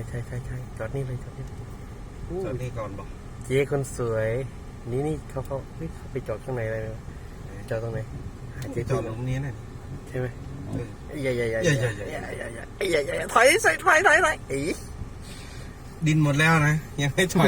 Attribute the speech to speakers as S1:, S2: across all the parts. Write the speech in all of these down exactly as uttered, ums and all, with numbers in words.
S1: ใช่ใช่ใช่จอดนี่เลยจอดนี่
S2: จอดนี่ก่อนบอก
S1: เจ๊คนสวยนี่นี่เขาเขาเขาไปจอดข้างในอะไรจอดตรงไหน
S2: เจ๊จอดตรงนี้น่ะ
S1: ใช่ไหมอย่าอย่าอย่า
S2: อย่า
S1: อย่าอย่าอย่าอย่าอย่าอย่าถอยใส่ถอยถอยถอยอี
S2: ดินหมดแล้วนะยังไม่ถอย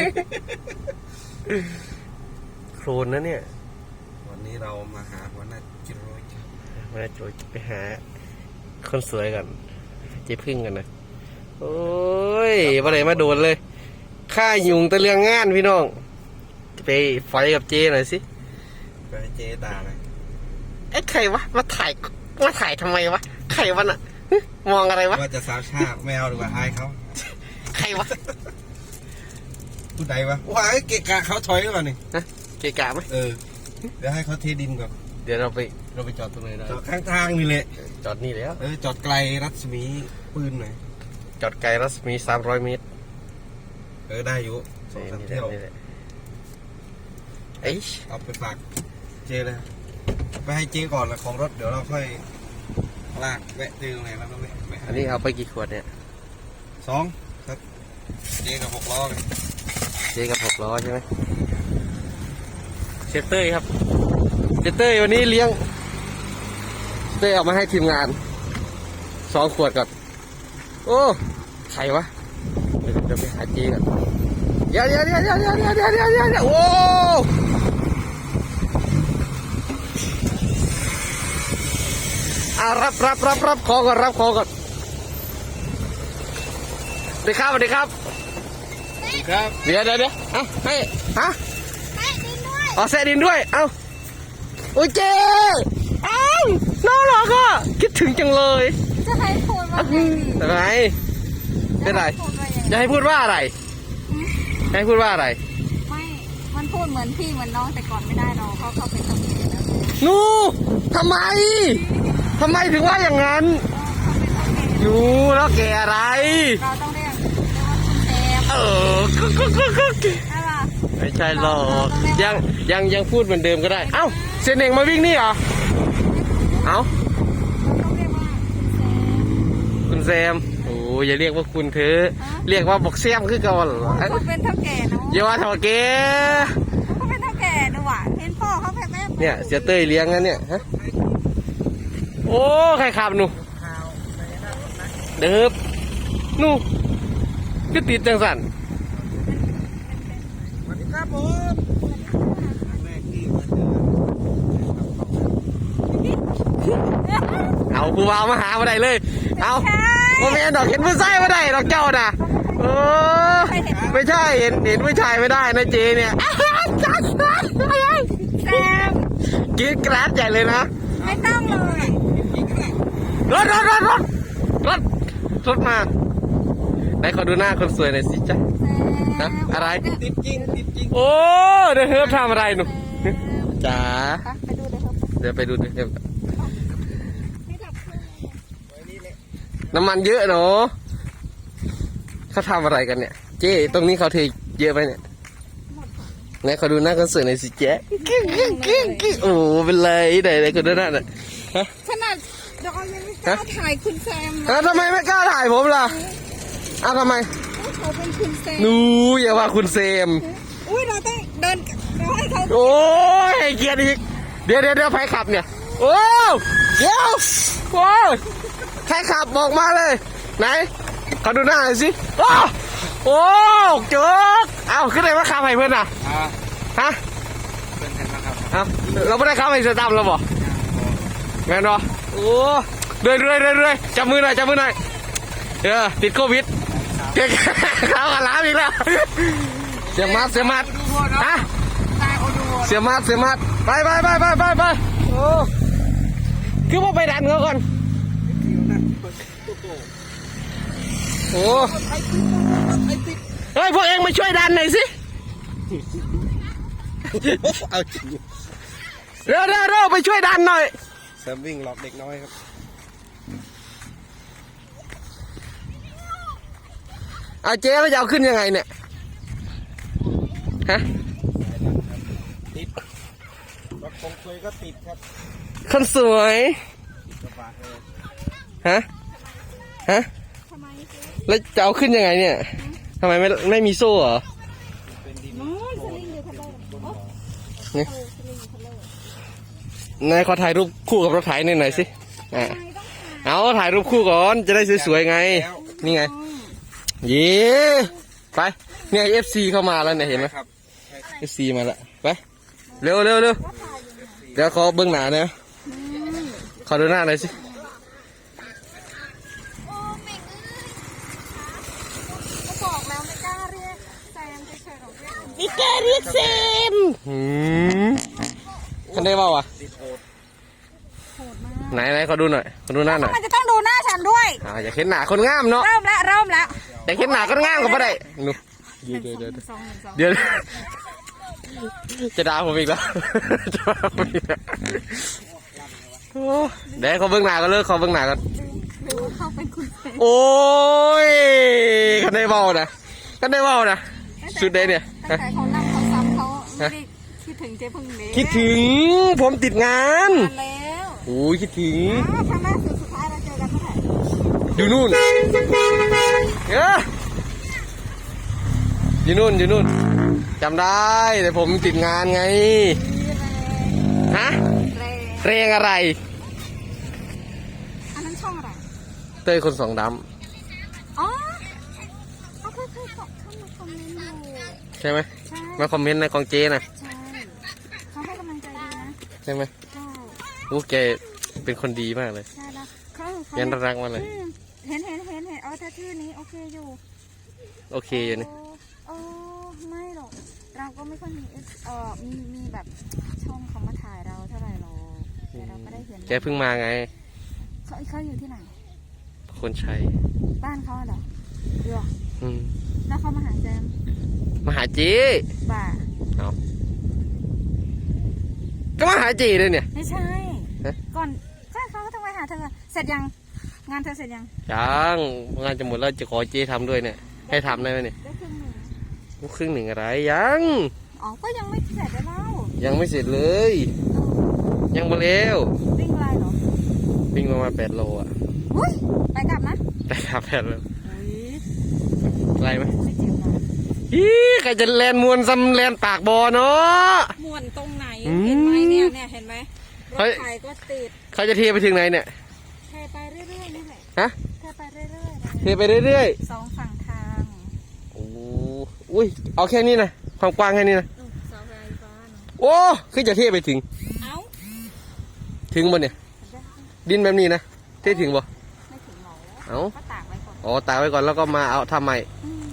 S1: โคลนนะเนี่ย
S2: วันนี้เรามาหาหัวหน้าจิโร่
S1: มาโจยไปหาคนสวยกันเจ๊พึ่งกันนะโอ้ยมาเลยมาโดนเลยข้ายุงตะเลืองงานพี่น้องไปไฟกับเจหน่อยสิ
S2: ไปเจตาเลย
S1: ไอ้ใครวะมาถ่ายมาถ่ายทำไมวะใครวะน่ะมองอะไรวะ
S2: ว่าจะสาวชาแมวหรือว่าอายเขา
S1: ใครวะ
S2: ผู้ใดวะว้าเกะกะเขาถอยก่อนนี่
S1: ฮะเกะกะไหม
S2: เออเดี๋ยวให้เขาเทดินก่อน
S1: เดี๋ยวเราไปเราไปจอดตรงไหนได้
S2: จอดข้างทางนี่แหละ
S1: จอดนี่แล้ว
S2: เออจอดไกลรัศมีปืนหน่อย
S1: จอดไกลรัศมีสามร้อยเมตร
S2: เออได้อยู่สองสามเที่ยว
S1: เอ้ย
S2: เอาไปฝากเจเลยไปให้เจก่อนละของรถเดี๋ยวเราค่อยลากแวะเจอตรงไหนแล้วก็แวะ
S1: อันนี้เอาไปกี่ขวดเนี่ย
S2: สองครับเจกับหกล้อเลย
S1: เจกับหกล้อใช่ไหมเชฟเต้ยครับเชฟเต้ยวันนี้เลี้ยงเต้ยเอามาให้ทีมงานสองขวดก่อนโอ้ใครวะเดี๋ยวจะไปหาเจกันเดี๋ยวเดี๋ยวเดี๋ยวเดี๋ยวเดี๋ยวเดี๋ยวเดี๋ยวเดี๋ยวเดี๋ยวโอ้อารับรับรับรับขอก่อนรับขอก่อนสวัสดีครับสวัสดีครับ
S2: ครับ
S1: เดี๋ยวเดี๋ยวเดี๋ยวฮะให้ฮะอ๋อแซดินด้วยเอ้าโอ้ยเจ๊เอ้าน่ารักอ่ะคิดถึงจังเลย
S3: จะให้พูดว่า
S1: อะไรเป็นไรจะให้พูดว่าอะไรให้พูดว่าอะไร
S3: ไม่มันพูดเหมือนพี่เหมือนน้องแต่ก่อนไม่ได้หรอกเพราะเขาเป็นตำรวจแล้ว
S1: นูทำไมทำไมถึงว่าอย่างนั้นนูแล้วแกอะไร
S3: เราต้องเรียกว่าคุณแซม
S1: เออไม่ใช่หรอกยังยังยังพูดเหมือนเดิมก็ได้เอ้าเซนเองมาวิ่งนี่เหรอเอ้าคุณแซมโอ้อย่าเรียกว่าคุณเธอเรียกว่าบอกแซมคือก่อน
S3: เขาเป็นเท่าแก่เนาะ
S1: อย่าว่าเท่าแก่
S3: เขาเป็นเท่าแก่ดูว่ะเห็นพ่อเขาแพ้แม่
S1: เนี่ยเสียเต้ยเลี้ยงนั่นเนี่ยฮะโอ้ใครขับหนูเดิบหนูก็ติดจังสัน
S2: สวัสดีครับผมแม่ที่มาเจ
S1: อเอาผู้บ่าวมาหามาได้เลยเอาโมเมนต์ดอกเห็นผู้ชายมาได้ดอกเจ้าน่ะโอ้ไม่ใช่เห็นเห็นผู้ชายไม่ได้นะเจเนี่ย
S3: แซม
S1: กินกราดใหญ่เลยนะ
S3: ไม่ต้องเลย
S1: รถรถรถรถรถรถมาไหนขอดูหน้าคนสวยหน่อยสิจ๊ะนะอะไร
S2: ติดจริงติดจริง
S1: โอ้เดี๋ยวเฮิร์ทำอะไรหนูจ๋าเดี๋ยวไปดูเดี๋ยวน้ำมันเยอะเนาะเขาทำอะไรกันเนี่ยเจ๊ตรงนี้เขาเทเยอะไปเนี่ยไหนขอดูหน้าคนสวยหน่อยสิเจ๊โอ้เป็นไรไหนไหนคนดูหน้าน่ะ
S3: ขนาดเรายังไม่กล้าถ่ายคุณแซม
S1: แล้วทำไมไม่กล้าถ่ายผมล่ะอ้าวทำไม
S3: เขาเป็นคุณแซม
S1: นูอย่าว่าคุณแซม
S3: อุ้ยเราต้องเดินเราให้เขา
S1: โอ้ยให้เกียรติอีกเดี๋ยวเดี๋ยวเดี๋ยวใครขับเนี่ยโอ้เดี๋ยวโอ้ใครขับบอกมาเลยไหนขอดูหน้าหน่อยสิโอ้โอ้เจ๊กเอาขึ้นเลยว่าขับให้เพื่อนอ่ะฮะ
S2: เป็นไงบ้างครับ
S1: เอาเราไม่ได้ขับให้เสือดำเราบอกแม่นบ่โอ้เรื่อยเรื่อยเรื่อยเรื่อยจับมือหน่อยจับมือหน่อยเออติดโควิดเด็กเขาขลาอีกแล้วเสียมัดเสียมัดฮะเสียมัดเสียมัดไปไปไปไปไปไปโอ้คือว่าไปดันเขาก่อนโอ้เฮ้ยพวกเองมาช่วยดันหน่อยสิ
S2: เอาจริง
S1: เร็วเร็วเร็วไปช่วยดันหน่อย
S2: แซมวิ่งหลอกเด็กน้อยครับ
S1: เอาเจ๊แล้วจะเอาขึ้นยังไงเนี่ยฮะ
S2: ติดรถคงเคยก็ติดครับ
S1: คนสวยฮะฮะ
S3: ทำไม
S1: แล้วจะเอาขึ้นยังไงเนี่ยทำไมไม่ไม่มีโซ่เหรอ
S3: นู้นสลิงอยู่ทะเลโอ้
S1: นี่
S3: เออสลิงอยู่ทะเล
S1: นายขอถ่ายรูปคู่กับรถไถหน่อยสิอ่ะ
S3: ทำไมต้องถ่าย
S1: เอาถ่ายรูปคู่ก่อนจะได้สวยๆไง นี่ไงเย้ไปเนี่ยเอฟซีเข้ามาแล้วเนี่ยเห็นไหม
S2: ครับ
S1: เอฟซีมาแล้วไปเร็วเร็วเร็วเดี๋ยวขอเบื้องหน้าหนะขอดูหน้าหน่อยสิ
S3: โอ้เม่งเอ้ยก็บอกแล้วไม่กล้าเรียกแซมเฉยๆหรอกเรียก
S1: นี่แกเรียกเซมหืมคันได้เปล่าวะ
S3: โหดมาก
S1: ไหนไหนขอดูหน่อยขอดูหน้าหน่อย
S3: มันจะต้องดูหน้าฉันด้วย
S1: อ่าอยากเห็นหน้าคนงามเนาะ
S3: เริ่มแล้วเริ่มแล้ว
S1: อยากเห็นหน้าคนงามก็ไม่ได้นู
S3: ห
S1: เดี๋ยว
S3: นึ่ง
S1: เดี๋ยว
S3: สองหนึ่งสอง
S1: เดี๋ยวจะด่าผมอีกแล้วจะด่าผมอีกแล้วโอ้เดี๋ยวเขาเบื้องหน้าก็เลิกเขาเบื้องหน้ากัน
S3: หรือว่าเขาเป็นคุณเซม
S1: โอ้ยคันได้เบานะคันได้เบานะสุดเลยเนี่ย
S3: ตั้งแต่เขานั่งเขาซ้ำเขาไม่ได้คิดถึงเจ๊พึ่งเลย
S1: คิดถึงผมติดงาน
S3: นานแล้ว
S1: โอ้ยคิดถึง
S3: อ้าวครั้งล่าสุดสุดท้ายเราเจอกันเมื่อไหร่
S1: อยู่นู่นเอออยู่นู่นอยู่นู่นจำได้แต่ผมติดงานไงฮะ
S3: เร
S1: เรียงอะไร
S3: อันนั้นช่องอะไร
S1: เต้ยคนสองด
S3: อ๋อเขาเคยเคยเข้ามาคอมเมนต์อยู่
S1: ำใช่ไหม
S3: ใช่
S1: มาคอมเมนต์ในของเจนะ
S3: ใช่เขาให้กำลังใจดีนะ
S1: ใช่ไหม
S3: ใช่
S1: โอ้แกเป็นคนดีมากเลย
S3: ใช่แล้วเขาเขา
S1: ยันรักมากเลย
S3: อืมเห็นเห็นเห็นเห็นเอาแต่ชื่อนี้โอเคอยู่
S1: โอเคอยู่นี่
S3: โอ้ไม่หรอกเราก็ไม่ค่อยมีเออมีมีแบบช่องเขามาถ่ายเราเท่าไหร่หรอกแต่เราก็ได้เห็น
S1: แกเพิ่งมาไง
S3: เขาเขาอยู่ที่ไหน
S1: คนใช้
S3: บ้านเขาเหรอเดี๋ยว
S1: อืม
S3: แล้วเขามาหาแจม
S1: มาหาเจ
S3: บ่า
S1: เอาก็มาหาเจเลยเนี่ย
S3: ไม่ใช่
S1: ฮะ
S3: ก่อนใช่เขาก็ต้องไปหาเธอเสร็จยังงานเธอเสร็จยัง
S1: ยังงานจะหมดแล้วจะขอเจทำด้วยเนี่ย ให้ทำได้ไหมเนี่ย
S3: ได้ครึ่งหนึ่ง
S1: ครึ่งหนึ่งอะไรยัง
S3: อ๋อก็ยังไม่เสร็จเลยเล่า
S1: ยังไม่เสร็จเลย ยังมาเร็ว
S3: วิ่งอะไรเหรอ
S1: วิ่งประมาณแปดโลอ่ะ
S3: อุ้ยไปกลับนะ
S1: แต่ขับแปดโล
S3: อุ้ย
S1: อะไรไหม
S3: ไม่เจ็บหรอก
S1: อีใครจะแลนมวนซ้ำแลนปากบอเนาะ
S3: ม่วนตรงไหน
S1: อืม
S3: เห็นไหมเนี่ยเนี่ยเห็นไหมร
S1: เฮ้
S3: ถ
S1: ย
S3: ไฟก็ติด
S1: เขาจะเทไปถึงไหนเนี่ย
S3: เทไปเรื่อยๆนี่แหละ
S1: ฮะ
S3: เทไปเรื่อย
S1: เทไปเรื่อย
S3: ๆสองฝั่งทาง
S1: ๆโอ้อุ้ยเอาแค่นี้นะความกว้างแค่นี้นะ
S3: นู่นเสาไฟฟ้าเนาะ
S1: โอ้คือจะเทไปถึง
S3: เอ้า
S1: ถึงบ่เนี่ย ดินแบบนี้นะเทถึงบ่
S3: ไม่ถึงหรอ
S1: เอ้า
S3: ก็ตากไว้ก่อน
S1: อ๋อตากไว้ก่อนแล้วก็มาเอาทำใหม่
S3: อืม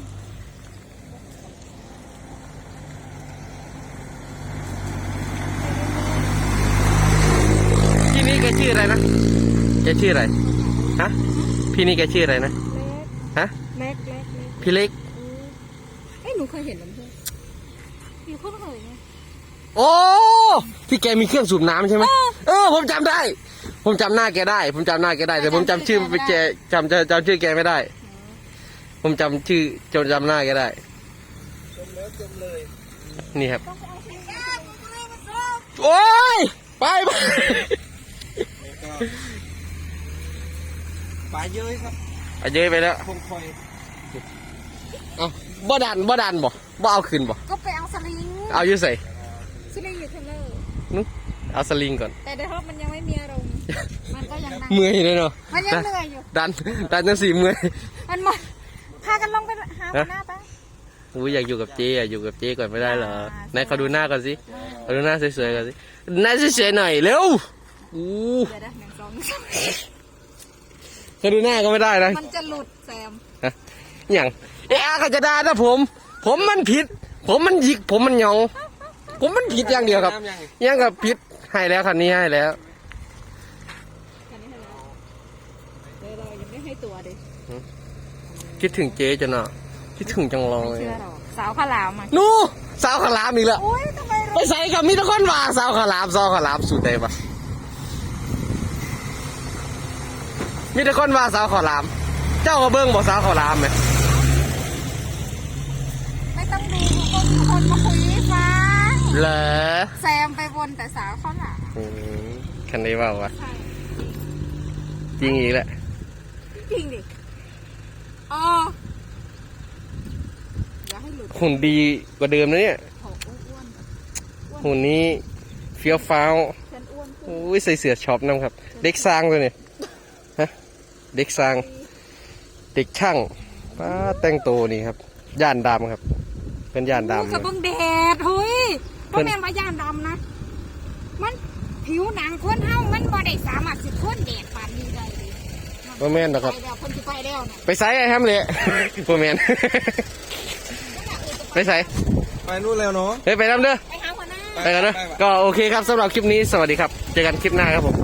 S1: พี่นี่แกชื่ออะไรนะแกชื่ออะไรฮะพี่นี่แกชื่ออะไรนะ
S3: เล็ก
S1: ฮะ
S3: เล็กเล็กเล็ก
S1: พี่เล็ก
S3: อืมเอ้ยหนูเคยเห็นแล้วเพื่อนอยู่เพิ่งเคยไง
S1: โอ้ที่แกมีเครื่องสูบน้ำใช่ไหมเออผมจำได้ ผมจำหน้าแกได้ ผมจำหน้าแกได้แต่ผมจำชื่อแกจำจำจำชื่อแกไม่ได้ ผมจำชื่อจำจำหน้าแกได้
S2: จมแล้วจมเลย
S1: นี่ครับ
S3: ต้องไปเอาที่
S1: โอ้ยไปไป
S2: แล้วก็ปลาเยอะครับ
S1: เอาเยอะไปแล้ว
S2: คงคอย
S1: เอาบ่ดันบ่ดันบ่บ่เอาขึ้นบ่
S3: ก็ไปเอาสลิง
S1: เอาอยู่ใส่
S3: สลิงอยู่เทเลอร์
S1: นุ๊กเอาสลิงก่อน
S3: แต่ในรถมันยังไม่มีอารมณ์มันก็ยังนั่ง
S1: เมื่อยเลยเนาะ
S3: มันยังเหนื่อยอยู่
S1: ดันดันจังสีเมื่อย
S3: มันหมดพากันลงไปหาหัวหน้าไป
S1: อุ้ยอยากอยู่กับเจ๊อยากอยู่กับเจ๊ก่อนไม่ได้เหรอไหนเขาดูหน้าก่อนสิเขาดูหน้าสวยๆก่อนสิหน้าสวยๆหน่อยเร็วอู้
S3: เดี๋ยวนะหนึ่งสองหนึ่งสอง
S1: เขาดูหน้าก็ไม่ได้นะ
S3: มันจะหลุดแซม
S1: ฮะอย่างเอ๊ะเขาจะด่านะผม ผมมันผิด ผมมันหยิกผมมันเหยองผมมันผิดอย่างเดียวครับ
S2: น้ำยัง
S1: ยังกับผิดให้แล้วคันนี้ให้แล้ว
S3: คันนี้ให้แล้วเดี๋ยวเรายังไม่ให้ตัวดิ
S1: คิดถึงเจ๊จังเนาะคิดถึงจังเล
S3: ไม่
S1: ย
S3: เชื่อหรอกสาวข้าวหลามอ่ะ
S1: นู่สาวขาวหลามอีกแล้ว
S3: อุ้ยทำไม
S1: ไปใส่กับมีแตะคนว่าสาวขาวหลามสาวขาวหลามสุดได้ปะมีแตะคนว่าสาวขาวหลาม เจ้าก็เบิ้งบอกสาวขาวหลามไหม
S3: ไม่ต้องดูก็มีคนมาคุยให้ฟัง
S1: เหรอ
S3: แซมไปวนแต่สาวข้าวหลาม
S1: อืมคันนี้ว่าวะ
S3: ใช่
S1: จริงอีกแหละ
S3: จริงดิอ๋ออย่าให้หลุด
S1: หุ่นดีกว่าเดิมนะเนี่ย
S3: ขออ้วนๆ
S1: หุ่นนี้เฟี้ยวฟ้าว
S3: ฉันอ้วนขึ้น
S1: โอ้ยใส่เสื้อช็อปน้ำครับ เด็กสร้างเลยเนี่ยฮะเด็กสร้าง เด็กช่างป้าแต่งตัวนี่ครับย่านดำครับ เป็นย่านดำ
S3: โอ้กระเบื้องแดดเฮ้ยก็แม่นว่าย่านดำนะ มันผิวหนังคนเฮามันบ่ได้สามารถสิทนแดดปานนี้ได้เลย
S1: บ่แม่นหรอกครับ
S3: ไปแล้วคนที่ไปแล้วนะ
S1: ไปใส่ไอ้แฮมเลย บ่แม่น ไปใส่
S2: ไปนู่นแล้วเนาะ
S1: เฮ้ยไปน้ำเด้อ
S3: ไปหาหัวหน้า
S1: ไปกันเด้อก็โอเคครับสำหรับคลิปนี้สวัสดีครับ เจอกันคลิปหน้าครับผม